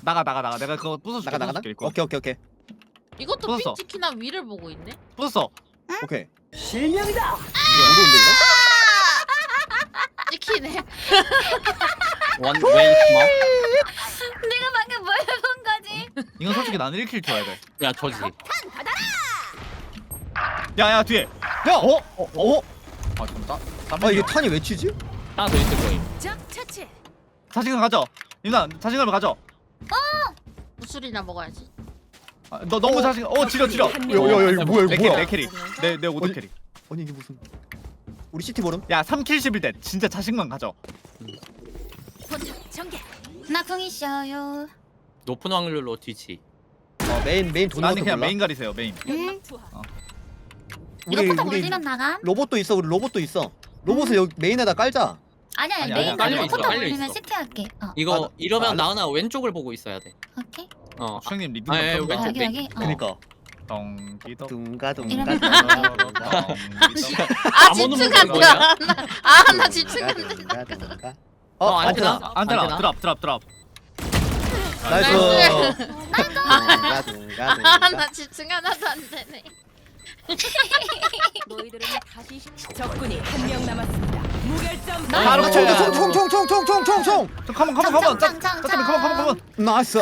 나가. 내가 그거 부숴줄게. 나가. 부숴줄게, 이거. 오케이. 이것도 부쉈어. 핀치키나 위를 보고 있네. 부쉈어. 오케이. 실명이다. 무서운데 찍히네. 원 웨이 스마. 내가 방금 뭘 본 거지? 이건 솔직히 나는 1킬 줘야 돼. 야 저지. 야 뒤에. 이거? 야, 아 진짜? 아 이게 탄이 왜 치지? 하나 더 있을 거임. 적 처치. 자신감 가져. 유나 자신감을 가져. 무술이나 먹어야지. 아, 너 너무 자신. 지려. 야야야 이거 뭐야 내 이거 캐리 뭐야? 내 캐리. 내 오드 어디- 캐리. 아니 이게 무슨? 우리 시티 모름? 야 3킬 11대. 진짜 자신감 가져. 본격 전개. 나 궁 있어요. 높은 확률로 뒤치. 메인 돈 나는 그냥 메인 가리세요 메인. 응. 우리 이거 포탑 올리면 나감? 로봇도 있어. 우리 로봇도 있어. 로봇을 여기 메인에다 깔자. 아니야 아니, 메인 깔려 아니고 있어, 포탑 깔려 올리면 있어. 시티할게. 이거 이러면 아, 나은아 왼쪽을 보고 있어야 돼. 오케이. 수영님 리듬 아, 예, 좀 왼쪽. 펴봐. 여기. 그니까. 덩기덕. 둥가 이러면 덩기덕. 아 오는 집중 건 안 뭐야? 돼. 아나 집중 안 돼. 둥가. 안테나. 안테나. 안테나 드랍. 나이스. 나이스. 둥가. 아나 집중 하나도 안 되네. 너희들은 다시 적군이 한 명 남았습니다. 무결점. 바로 총총총총총총총총. 좀 가만. 짱짱짱짱. 나이스.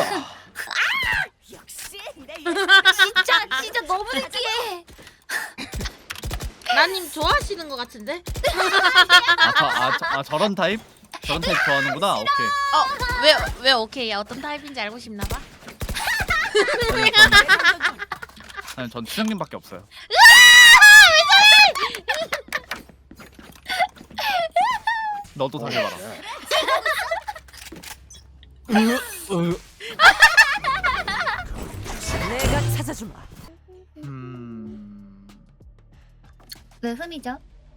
역시 내 진짜 너무 느끼해. 나님 좋아하시는 것 같은데? 저런 타입? 저런 타입 좋아하는구나. 오케이. 왜 오케이야? 어떤 타입인지 알고 싶나 봐. 아니 전 추장님밖에 없어요. 너도 당해봐라. 내가 찾아주마. 왜 흠이죠?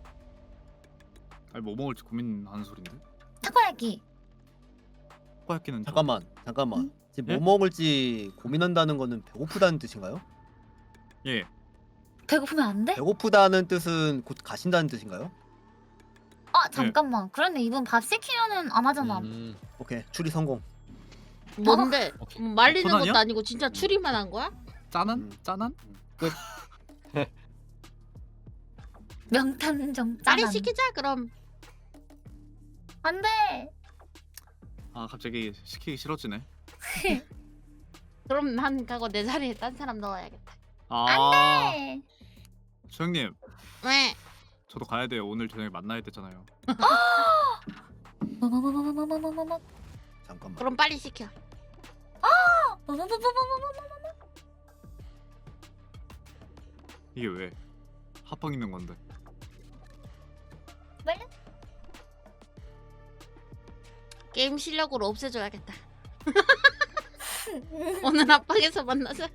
아니 뭐 먹을지 고민하는 소린데. 타코야키. 코야끼는 잠깐만. 응? 지금 예? 뭐 먹을지 고민한다는 거는 배고프다는 뜻인가요? 예. 배고프면 안 돼? 배고프다는 뜻은 곧 가신다는 뜻인가요? 아 잠깐만. 그런데 이분 밥 시키면은 안 하잖아. 오케이. 추리 성공. 뭔데? 오케이. 말리는 손아니야? 것도 아니고 진짜 추리만 한 거야? 짠한? 짠한? 명탐정 빨리 짠한. 시키자 그럼. 안 돼. 아 갑자기 시키기 싫어지네. 그럼 난 가고 내 자리에 딴 사람 넣어야겠다. 아. 네. 수영님 왜? 저도 가야 돼요. 오늘 저녁에 만나야 되잖아요. 뭐뭐뭐뭐뭐뭐뭐뭐뭐. 잠깐만. 그럼 빨리 시켜. 이게 왜? 합방 있는 건데. 게임 실력으로 없애줘야겠다. 오늘 합방에서 만나자.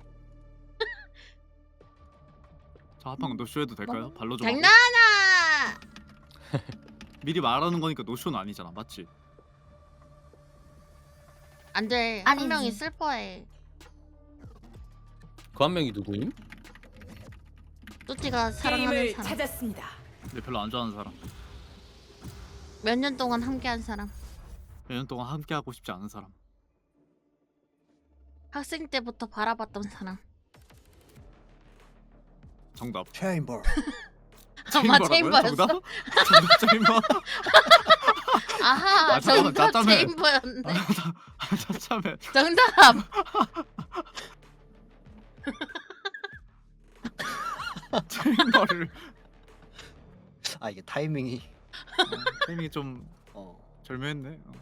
저 합방 노쇼해도 될까요? 발로 좀 하고. 장난아. 미리 말하는 거니까 노쇼는 아니잖아. 맞지? 안 돼. 아니지. 한 명이 슬퍼해. 그 한 명이 누구임? 뚜띠가 사랑하는 게임을 사람. 찾았습니다. 근데 별로 안 좋아하는 사람. 몇 년 동안 함께한 사람. 몇 년 동안 함께 하고 싶지 않은 사람. 학생 때부터 바라봤던 사람. 정답. 체인버. 아마 체인버라고요? 체인버였어. 정답? 정답 체인버. 아하, 아, 잠깐만, 정답 짜짜매. 체인버였네. 참참해. 정답. 체인버를. 아 이게 타이밍이. 타이밍이 좀 어. 절묘했네.